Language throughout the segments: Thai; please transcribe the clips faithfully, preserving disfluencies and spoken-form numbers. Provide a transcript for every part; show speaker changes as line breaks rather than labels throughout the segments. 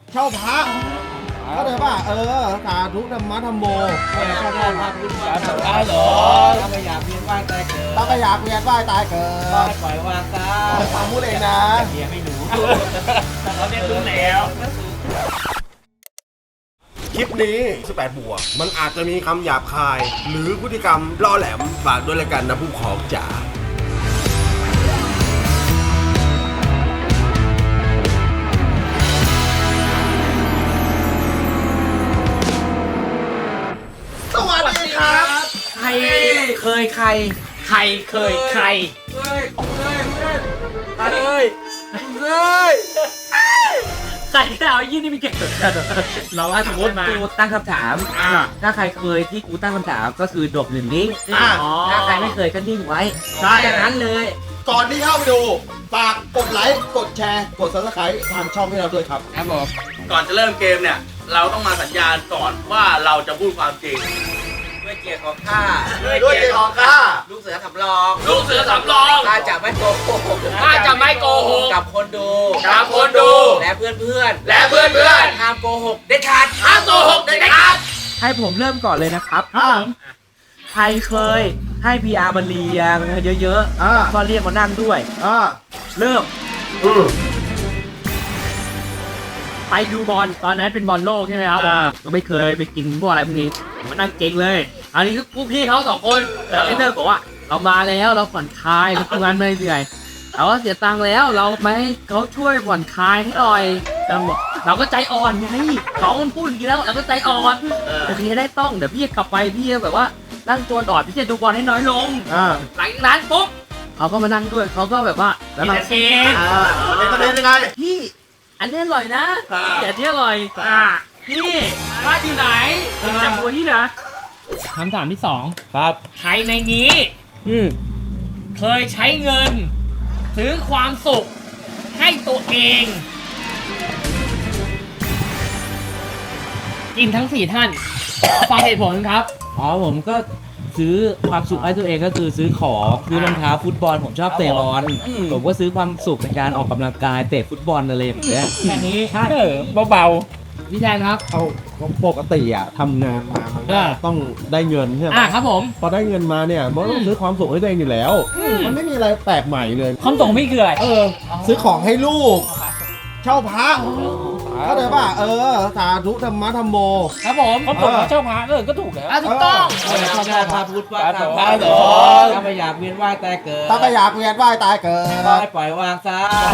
เช่าพระเข้าใจป่ะเออสาธุธรรมะธรรมโม
ข้าได้ทำบุญการสังฆาหรอถ้าไม่อยากเวียนว่ายตายเกิด
ถ้าไม่อยากเวียนว่ายตายเกิด
ก็ปล่อยวางซะ
ฟังพูดเองนะ
เมียไม่รู้
เราเรียนรู้แล้ว
คลิปนี้สิบแปดบวกมันอาจจะมีคำหยาบคาย หรือพฤติกรรมล่อแหลมฝากด้วยละกันนะผู้ของจ๋าสวัสดีครับ
ใครเคยใครใครเคยใคร
เฮ้ยเฮ้ยเฮ้ยเฮ้ย
ใครก็เอายี่นี่มีเก่งเราว่าสมมติมา
กูตั้งคำถามถ้าใครเคยที่กูตั้งคำถามก็คือดบหนึ่งนิ้งถ้าใครไม่เคยก็นิ่งไว้ใช่อย่างนั้นเลย
ก่อนที่เข้าไปดูฝากกดไลค์กดแชร์กด ซับสไครบ์ ทางช่องให้เราด้วยครับ
ครับผม
ก่อนจะเริ่มเกมเนี่ยเราต้องมาสัญญาณก่อนว่าเราจะพูดความจริง
ด้วยเกียรติของข้า
ด้วยเกียรติของข้า
ลูกเสือสำรอง
ลูกเสือสำรอง
ข้าจะไม่โกหก
ข้าจะไม่โกหก
กับคนดู
กับคนดู
และเพื่อนเพื่อน
และเพื่อนเพื่อน
ห้ามโกหกเด็ดขาด
ห้ามโกหกเด็ดขาด
ให้ผมเริ่มก่อนเลยนะครับใครเคยให้พีอาร์มาเรียงเยอะๆก็เรียกมานั่งด้วยเริ่ม
ไปดูบอลตอนนั้นเป็นบอลโลกใช่ไหมครับก็ไม่เคยไปกินพวกอะไรพวกนี้ผมนั่งเก่งเลยอันนี้คือพวกพี่เขาสองคนแต่เอเนอร์บอกว่าเรามาแล้วเราผ่อนคลายเราทำงานไม่เหนื่อยเราก็เสียตังค์แล้วเราไม่เขาช่วยผ่อนคลายให้หน่อยเราบอกเราก็ใจอ่อนไงเขามันพูดอย่างนี้แล้วเราก็ใจอ่อนโอเคได้ต้องเดี๋ยวพี่กลับไปพี่แบบว่านั่งตัวอ่อนพี่จะดูบอลให้น้อยลงหลังจากนั้นปุ๊บเขาก็มานั่งด้วยเขาก็แบบว่าแล้วมาเอง
เป็นประเด็นยังไง
พี่อันนี้อร่อยนะแต่ที่อร่อยอ่ะพี่บ้านอยู่ไหนจำตัวที่นะคำถามที่สอง
ครับ
ใครในนี้อืมเคยใช้เงินซื้อความสุขให้ตัวเองกินทั้งสี่ท่านฟังเหตุผลครับ
อ๋อผมก็ซื้อความสุขให้ตัวเองก็คือซื้อของซื้อรองเท้าฟุตบอลผมชอบเตะบอลผมก็ซื้อความสุขในการออกกำลังกายเตะฟุตบอลอะไรแบบนี้
แค่นี้
ใช่เบา
ๆพี่แทนครับ
เอาปกติอ่ะทำงานมามันก็ต้องได้เงินใช่ไหม
อ่าครับผม
พอได้เงินมาเนี่ยมันต้องซื้อความสุขให้ตัวเองอยู่แล้วมันไม่มีอะไรแปลกใหม่เลย
ความสุขพี่คืออะไร
เออซื้อของให้ลูกเช่าพระเข้าใจป่ะเออสาธุธรรมะธรรมโม
ครับผม
เขาบอกเช่าพระเออก็ถูกแล้ว
ถูกต้อง
เขาได้พาพุทธว่าทำพระหรอถ้าไม่อยากเวียนว่ายตายเกิด
ถ้าไม่อยากเวียนว่ายตายเกิด
ก็ปล่อยวางซะ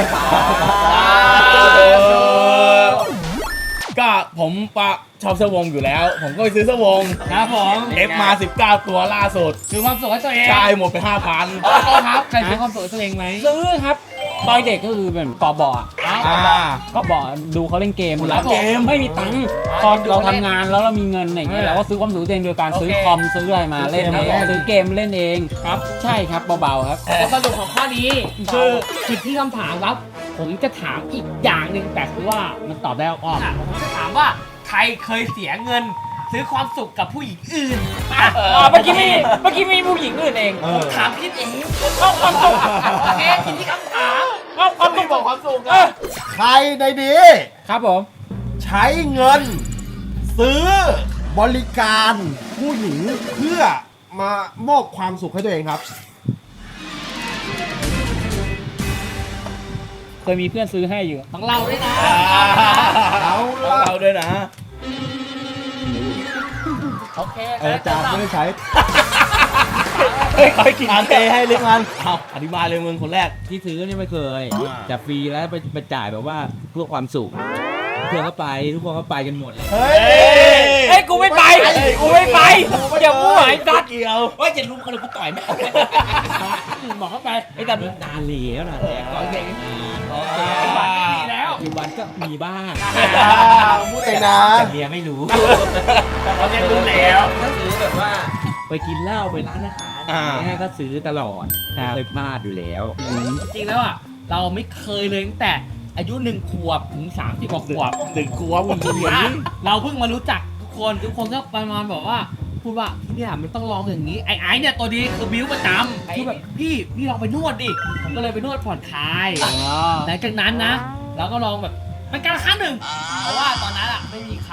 ก็ผมปะชอบเสื้อวงอยู่แล้วผมก็ไปซื้อเสื้อวง
ครับผม
เอฟมาสิบเก้าตัวล่าสุด
ซื้อความสุขให้ตัวเอง
ใช่หมดไปห้าพัน
ครับใครซื้อความสุขให้ตัวเองไหม
ซื้อครับตอนเด็กก็คือเป็นกอบอก็บอกดูเขาเล่นเกมแล้วเกมไม่มีตังค์ตอนเราทำงานแล้วเรามีเงินอะไรอย่างเงี้ยเราก็ซื้อความสุขตัวเองโดยการซื้อคอมซื้ออะไรมาเล่นซื้อเกมเล่นเอง
ครับ
ใช่ครับเบาๆครับ
สรุปของข้อนี้คือผิดที่คำถามครับผมจะถามอีกอย่างหนึ่งแต่คือว่ามันตอบได้อ้อมผมจะถามว่าใครเคยเสียเงินซื้อความสุขกับผู้หญิงอื่น
อ่าเมื่อกี้มีเมื่อกี้มีผู้หญิงอื่นเอง
ผมถามพี่เองเอาความสุขโอเคผิดที่คำถาม
เอาความสุขบอกความสุข
ใครในนี้
ครับผม
ใช้เงินซื้อบริการผู้หญิงเพื่อมามอบความสุขให้ตัวเองครับ
เคยมีเพื่อนซื้อให้อยู่
ต้องเล่าด้วยนะ
เรา
เราด้วยนะ
โอเค
เออจานไม่ได้ใช้
เฮ้ยคอยกินเตให้เล็กมันเอาอธิบายเลยมึงคนแรก
ที่ซื้อนี่ไม่เคยจะฟรีแล้วไปไปจ่ายแบบว่าเพื่อความสุขเพื่อนก็ไปทุกคนก็ไปกันหมดเลย
เฮ้ย
เฮ้ยกูไม่ไปกูไม่ไปอย่าพูดไอ้ตัด
เกี่ยว
ว่าจะลุมกันเลยกูต่อยไม่บอกเข้าไป
ไอ้ตัดนานแล้วนะแต่ก่อนเก่ง
โอเคดีแล้ว
ปัจจุบันก็มีบ้าง
พูดเองนะ
แต่เมียไม่รู้
เราเรียนรู้แล้ว
ก็ซื้อแบบว่าไปกินเหล้าไปร้านอาหารแม่ก็ซื้อตลอดเคยพลาดอยู่แล้ว
จริงแล้วอ่ะเราไม่เคยเลยตั้งแต่อายุหนึ่งขวบถึงสามสิบกว่าขวบ
หนึ่งขวบมึงเรียน
เราเพิ่งมารู้จักทุกคนทุกคนก็ประมาณบอกว่าพูดว่าที่เนี่ยมันต้องลองอย่างนี้ไอ้ไอ้เนี่ยตัวดีคือบิ้วประจำคือแบบพี่พี่ลองไปนวดดิก็เลยไปนวดผ่อนคลายหลังจากนั้นนะเราก็ลองแบบเป็นการครั้งหนึ่งเพราะว่า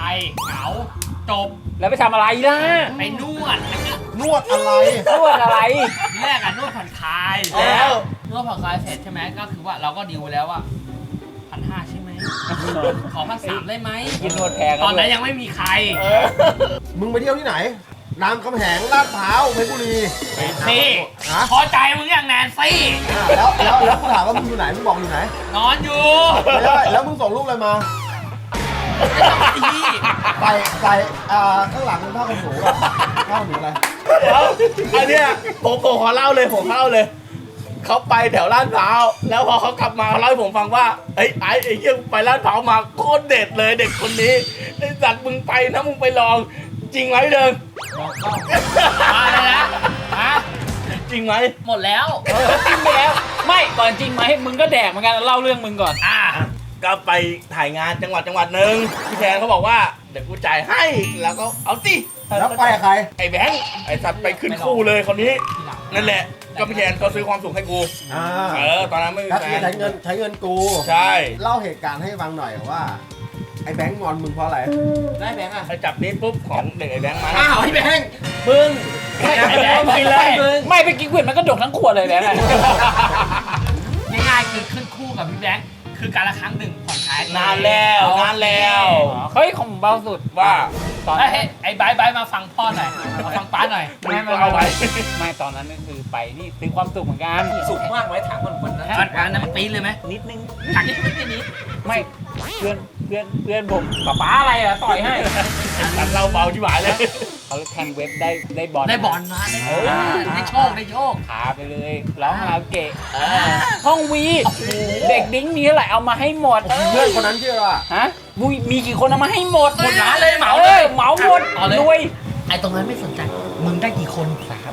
รเหงาจบ
แล้วไปทำอะไรล่ะ
ไปนวด
นวดอะไร
นวดอะไร
ทีแรกอะนวดผ่อนคลาย
แล้ว
นวดผ่อนคลายเสร็จใช่ไหมก็คือว่าเราก็ดีลแล้วว่าพันห้าใช่ไหมขอพันสามได้ไหม
กินนวดแพง
ตอนนั้นยังไม่มีใคร
มึงไปเที่ยวที่ไหนรามคำแหงลาดพร้าวเพชรบุรี
ซี่
ฮะ
พอใจมึงอย่างแนนซี่
อ่ะแล้วแล้วแล้วกูถามว่ามึงอยู่ไหนมึงบอกอยู่ไหน
นอนอยู่
ไม่ได้แล้วมึงส่งรูปอะไรมา
พี่
ใส่ใส่อ่าข้างหลังเป็นผ้าขนหนูอะผ้าขนหนูอะไร
เดี๋ยวอันเนี้ยผมผมขอเล่าเลยผมเล่าเลยเขาไปแถวลาดพร้าวแล้วพอเขากลับมาเขาเล่าให้ผมฟังว่าไอ้ไอ้ไอ้เหี้ยไปลาดพร้าวมาโคตรเด็ดเลยเด็กคนนี้ไอ้สัตว์มึงไปนะมึงไปลองจริงไหมเดิม
มาเลยนะฮะ
จริงไหม
หมดแล้ว
จริงไปแล้ว ไม่ก่อนจริงไหมมึงก็แดกเหมือนกันเล่าเรื่องมึงก่อน
อ่า
ก็ไปถ่ายงานจังหวัดจังหวัดหนึ่งพี่แทนเขาบอกว่าเดี๋ยวกูจ่ายให้แล้วก็เอาสิ
แล้วไปกับใคร
ไอ้แบงค์ไอ้สัตว์ไปขึ้นคู่เลยคนนี้นั่นแหละก็พี่แทนก็ซื้อความสุขให้กู
อ่า
เออตอนนั้นไม่มี
ก็
แฟ
คือน ใช้เงินใช้เงินกู
ใช่
เล่าเหตุการณ์ให้ฟังหน่อยว่า ไอ้แบงค์งอนมึงเพราะอะไร
ได้แบงค์อ่ะ
ไปจับนี้ปุ๊บของเด็กไอ้แบงค์มา
อ้าวไอ้แบงค์
มึง
ไม่ไม่ไม่เลย
ไม่ไปกินก๋วยมันก็ดกทั้งขวดเลยแหละ
ง่ายๆคือขึ้นคู่กับพี่แบงค์คือการละครั้งหนึ่งผ่อนคลาย
นานแล้วนานแล้ว
เฮ้ยของผมเบาสุด
ว่า
ตอน
เฮ้ยไอ้ไบร์ทไบร์ทมาฟังพ่อหน่อยมาฟังป้าหน่อย
ไม่ไม่เอาไว้ ไม่ตอนนั้นก็คือไปนี่ซื้อความสุขเหมือนกัน
สุขมากไว้ถามมันวันนั้นวันนั้นปีนเลยไหม
นิดนึง
ถังนิดนิดนิด
ไม่เพื่อนเพื่อนเพื่อนผมป๊าป๊าอะไรอะต่อยให้
ตัดเราเบาชิบหายเลย
เขาแทงเว็บได้ได้บอล
ได้บอลมาได้ได้โชคได้โชค
พาไปเลยร้องคาราโอเกะห้องวีเด็กดิ้งมีเท่าไหร่เอามาให้หมด
เพื่อนคนนั้นชื่ออะไร
ฮะมีมีกี่คนเอามาให้หมด
หมดร้านเลยเหมา
เอ
เล
อย เหมาหมด
เอาเลย
รวย
ไอ้ตรงนั้นไม่สนใจมึงได้กี่คนสาม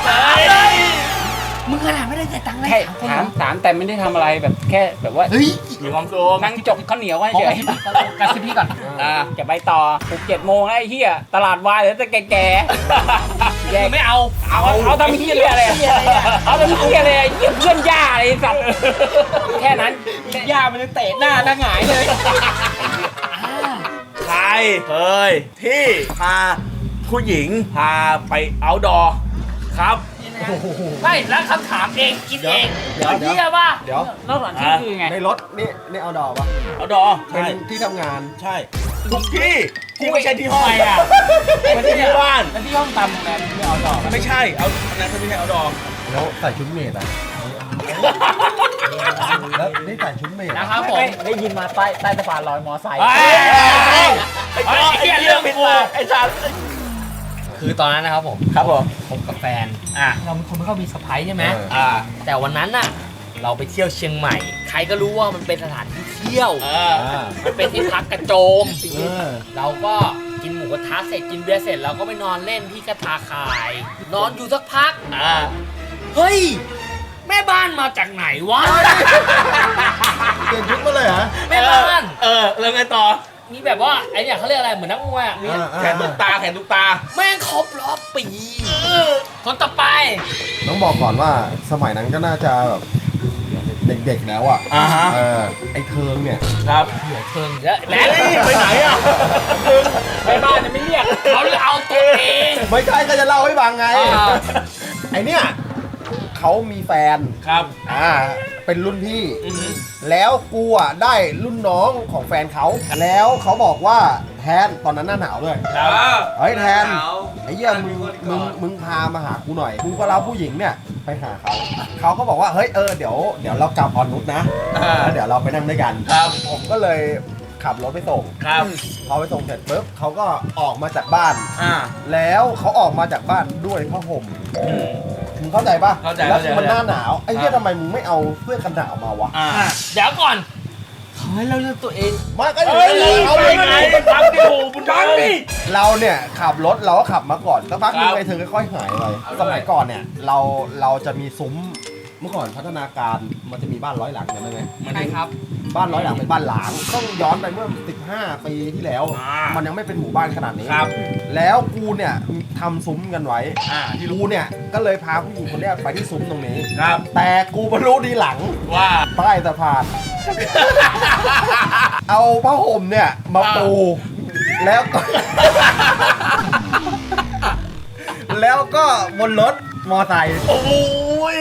มึงขนาดไม่ได้จ่ายตังค์เลย
แค่
สามคน
ถามถามแต่ไม่ได้ทำอะไรแบบแค่แบบว่า
เฮ้ย
มีความสุข
นั่งจบข้าวเหนียวไว้
ขอ
เฉ
กระ
ย
ซิบกระซิบพี่ก่อน
อ่า
จะไปต่อหกเจ็ดโมงแล้วไอ้เหี้ยตลาดวายเหลือแต่แก่ๆแยก
ไม่เอา
เอาเอาทำเหี้ยอะไรอะเอาทำเหี้ยอะไรอะเหี้ยเพื่อนย่าอะไรไอ้สัตว์แค่นั้นย่ามันจะเตะหน้าหน้าหงายเลย
ใครเคยที่พาผู้หญิงพาไปเอาดอครับ
ไม่แล้วคำถามเองกินเอง
เดี๋ยวเดี๋ยว
เฮียป่ะ
เดี๋ยว
นอกจากที่คือไง
ในรถนี่นี่เอาดอกปะ
เอาดอ
เป็
ใช่
นที่ทำงาน
ใช่ทุกที่ที่ไม่ใช่ที่ห้อง
ทำไมอะ
ไม่ใช่ที่บ้าน
แล้วที่ห้องตำโรงแรมไม่เอาดอกอะ
ไม่ใช่เอาอันนั้นเขาไม่ใช่เอาดอ
แล้วใส่ชุดเมดอ่ะแล้วนี่ใส่ชุดเมด
นะครับผม
ไม่ได้ยินมาใต้ใต้สะพานลอยมอไซค์
เฮ้ย
ไอ้ไอ้ไอ้เรื่องผิดมาไอ้สัตว์
คือตอนนั้นนะครับผม
ครับผม
คบกับแฟนอ่ะเราเป็นคนไม่ค่อยมีสะพ้ายใช่ไหม
อ่า
แต่วันนั้นน่ะ เราไปเที่ยวเชียงใหม่ ใครก็รู้ว่ามันเป็นสถานที่เที่ยว
อ่า
อ่า
มันเป็นที่พักกระโจม
เออ
เราก็กินหมูกระทะเสร็จกินเบียร์เสร็จเราก็ไปนอนเล่นที่กระทาคาย นอนอยู่สักพัก
อ่า
เฮ้ย แม่บ้านมาจากไหนวะ
เปลี่ยนชุดมาเลยเหรอ
แม่บ้าน
เออแล้วไงต่อ
มีแบบว่าไอ้เนี่ยเขาเรียกอะไรเหมือนนักมวยอ่ะมี
อ่าอ่า
แขนตุกตาแขนตุกตา
แม่งครบรอบปีคนต่อไป
ต้องบอกก่อนว่าสมัยนั้นก็น่าจะแบบเด็กๆแล้วอ่ะ
อ่าฮะ
เออไอ้เทิงเนี่ย
ครับ
หัวเทิงเยอะ
แหมไปไหนอ่ะ
ไปบ้านจะไม่เรียก
เขาเอาตัวเอง
ไม่ใช่ก็จะเล่าให้ฟังไง
อ่า
ไอเนี่ยเขามีแฟน
ครับ
อ่าเป็นรุ่นพี่
อือฮึ
แล้วกูอ่ะได้รุ่นน้องของแฟนเขาแล้วเขาบอกว่าแทนตอนนั้นหน้าหนาวด้วย
ครับ
เฮ้ยแทนไอ้เหี้ยมึงมึงมึงพามาหากูหน่อยกูก็รับผู้หญิงเนี่ยไปหาเขาเขาก็บอกว่าเฮ้ยเออเดี๋ยวเดี๋ยวเรากลับออนนุชนะ
อ่า
แล้วเดี๋ยวเราไปนั่งด้วยกัน
ครับ
ผมก็เลยขับรถไปส่ง
ครับ
พอไปส่งเสร็จปุ๊บเขาก็ออกมาจากบ้าน
อ่า
แล้วเขาออกมาจากบ้านด้วยผ้าห่มมึงเข้าใจปะ
เข้าใจ
แล้ว
เข้าใจ
มันหน้าหนาวไอ้เหี้ย
อ่า
ทำไมมึงไม่เอาเสื้อกันหนาวมาวะ
อ่า
เดี๋ยวก่อนเขาให้เราเลือกตัวเอง
มาก็
เฮ้ย
เอา
ไป
เลย
ไงบังดิโหบุญบังดิ
เราเนี่ยขับรถเราก็ขับมาก่อนสักพักหนึ
ครั
ง
บ
ไอ้เธอค่อยๆหายไปสมัยก่อนเนี่ยเราเราจะมีซุ้มเมื่อก่อนพัฒนาการมันจะมีบ้านร้อยหลังจำได้ไหม
มัน
ใช่ครับ
บ้านร้อยหลังเป็นบ้านหลางต้องย้อนไปเมื่อสิบห้าปีที่แล้ว
อ่ามั
มันยังไม่เป็นหมู่บ้านขนาดนี้
ครับ
แล้วกูเนี่ยทำซุ้มกันไว้
อ่าที่
กู
รู้
เนี่ยก็เลยพาผู้หญิงคนเนี้ยไปที่ซุ้มตรงนี้
ครับ
แต่กูมารู้ดีหลัง
ว่า
ใต้สะพาน เอาผ้าห่มเนี่ยมาปูแล้วก็ แล้วก็บนรถมอไซค์
โอ้ย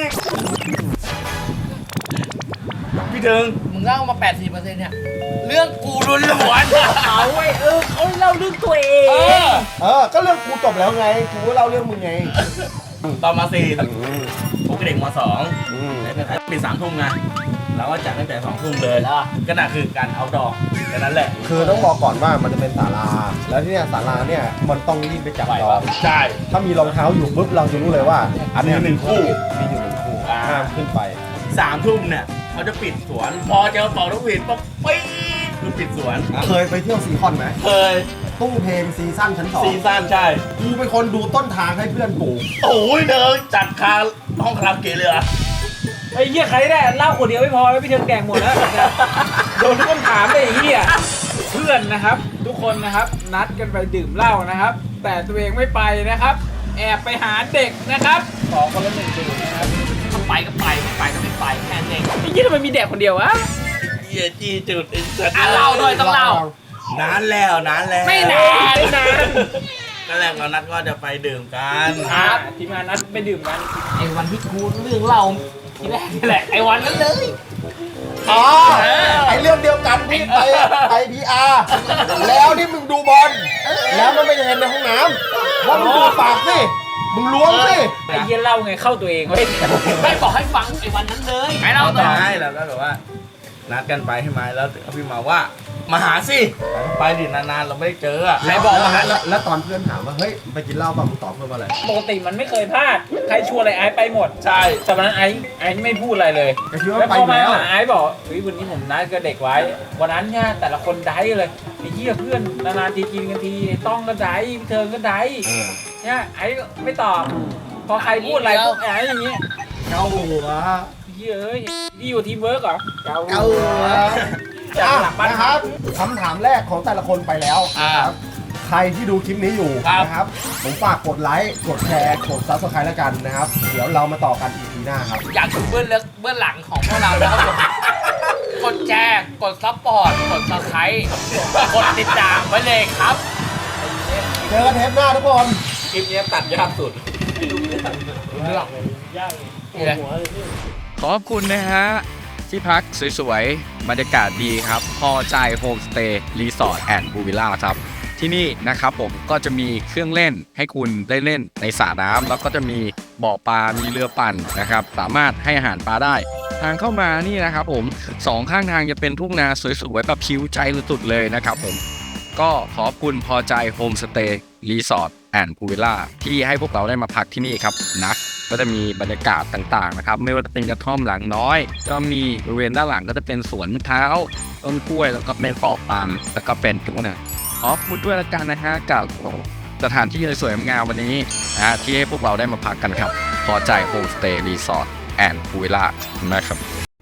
พี่ถึง
มึงเล่ามา แปดสิบเปอร์เซ็นต์ เนี่ย เรื่องกูล้วน
เอาไว้เออเขาเล่าเรื่องตัวเอ
ๆเอง อ
เออ ก็เรื่องกูจบแล้วไง กูก็เล่าเรื่องมึงไง
ตอนมาสี่
อืม
ผมกับเด็กมสอง
อืม
ปิดสามทุ่มไงเราก็จัดตั้งแต่สองทุ่มเลยก็น่ะคือการเอาดอกแค่นั้นแหละ
คือต้องบอกก่อนว่ามันจะเป็นศาลา แล้วที่เนี่ยศาลาเนี่ยมันต้องรีบไปจับจอง
ใช่
ถ้ามีรองเท้าอยู่ปุ๊บเราจะรู้เลยว่า
อันนี้หนึ่งคู่
มีอยู่หนึ่งคู่
อ่า
ห้ามขึ้นไป
สามทุ่มเนี่ยเขาจะปิดสวน พอเจอเป่าลูกหวีดปุ๊บปี๊ดคือปิดสวน
เคยไปเที่ยวซีคอนไหม
เคย
ตู้เพลงซีซั่นชั้นสอง
ซีซั่นใช่
กูเป็นคนดูต้นทางให้เพื่อนปลูก
โอ้ยเดินจัดคาห้องคาราโอเกะเลยอะ
ไอ้เหี้ยใครได้เหล้าขวดเดียวไม่พอแล้วพี่เทิงแดงหมดแล้วโดนทุกคำถามเลยไอ้เหี้ยเพื่อนนะครับ ทุกคนนะครับนัดกันไปดื่มเหล้านะครับ แต่ตัวเองไม่ไปนะครับ แอบไปหาเด็กนะครับขอคนละหนึ่งดื่มนะครับ
ไปก็ไปไม่ไปก็ไม่ไปแค่นั้นเอง
ไอ้เหี้ยทำไมมีเด็กคนเดียววะ
เหี้ยจีจุดไอ้สัตว์
อ่ะเล่าด้วยต้องเล่า
นานแล้วนานแล้ว
ไม่นานนาน
นั่นแหละเรานัดก็จะไปดื่มกัน
ครับ ทีมงานนัดไปดื่มกัน
ไอ้วันที่กูเรื่องเล่าทีแรกนี่แหละไอ้วันนั้นเลย
อ๋อ ไอเรื่องเดียวกันที่ไปไปพีอาร์แล้วที่มึงดูบอล แล้วมันไม่ได้เห็นในห้องน้ำว่ามึงดูปากสิ มึงล้วงสิ
ไอ้เหี้ยเล่าไงเข้าตัวเองเว้ย
ไม่บอกให้ฟังไอ้วันนั้นเลยไอ้เล่าต่อ
ใช่แล้วก็แบบว่า นัดกันไปให้มาแล้วพี่มาว่า มาหาสิไปดินานๆเราไม่ได้เจออะ
ใครบอกมา
แล้วแล้วตอนเพื่อนถามว่า เฮ้ย ไปกินเหล้าป่ะมึงตอบเพื่อนว่าอะไร
ปกติมันไม่เคยพลาด ใครชวนอะไรไอ้ไปหมด
ใช่
แต่วันนั้นไอ้ไอ้ไม่พูดอะไรเลย
ก็คิดว่า
แล้ว
ไป
พอมา
แล้ว
หาไอ้บอกเฮ้ยวันนี้ผมนัดกับเด็กไว้ วันนั้นเนี่ยแต่ละคนได้เลยไอ้เหี้ยเพื่อนนานๆทีกินกันทีไอ้ต้องก็ได้พี่เทิงก็ได้
เออ
เนี่ยไอ้ไม่ตอบ พอใครพูดอะไรพวกไอ้อย่างเงี้ย
เกาหัว
เหี้ยเอ้ยนี่อยู่ทีมเวิร์กเหรอเกา
เกาหัว
จาก
อ่ะ
หลังบ้าน
นะครับคำถามแรกของแต่ละคนไปแล้ว
อ่า
ใครที่ดูคลิปนี้อยู่
ครับ
นะครับ ผมฝากกดไลค์ กดแชร์ กดซับสไครต์แล้วกันนะครับ เดี๋ยวเรามาต่อกัน อี พี หน้าครับ
อยากดูเบื้องลึกเบื้องหลังของพวกเราแล้วครับผมกดแชร์กดซัพพอร์ตกดซับสไครต์กดติดตามไว้เลยครับ
เจอกันเทปหน้าทุกคน
คลิปนี้ตัดยากสุด
เรื่อง นี่แหละ
ขอบคุณนะฮะ ที่พักสวยๆ บรรยากาศดีครับ พอใจโฮมสเตย์รีสอร์ทแอนด์พูลวิลล่าครับ ที่นี่นะครับผมก็จะมีเครื่องเล่นให้คุณได้เล่นในสระน้ำแล้วก็จะมีบ่อปลา มีเรือปั่นนะครับ สามารถให้อาหารปลาได้ ทางเข้ามานี่นะครับผมสองข้างทางจะเป็นทุ่งนาสวยๆแบบคิ้วใจสุดๆเลยนะครับผม ก็ขอบคุณพอใจโฮมสเตย์รีสอร์ทแอนด์พูลวิลล่าที่ให้พวกเราได้มาพักที่นี่ครับนะก็จะมีบรรยากาศต่างๆนะครับไม่ว่าจะเป็นกระท่อมหลังน้อย ก็มีบริเวณด้านหลังก็จะเป็นสวนมะพร้าวต้นกล้วยแล้วก็เป็นเกาะปาล์มแล้วก็เป็นทุกอย่างขอบคุณด้วยละกันนะฮะกับสถานที่สวยๆงามวันนี้นะที่ให้พวกเราได้มาพักกันครับพอใจโฮมสเตย์รีสอร์ทแอนด์พูลวิลล่านะครับ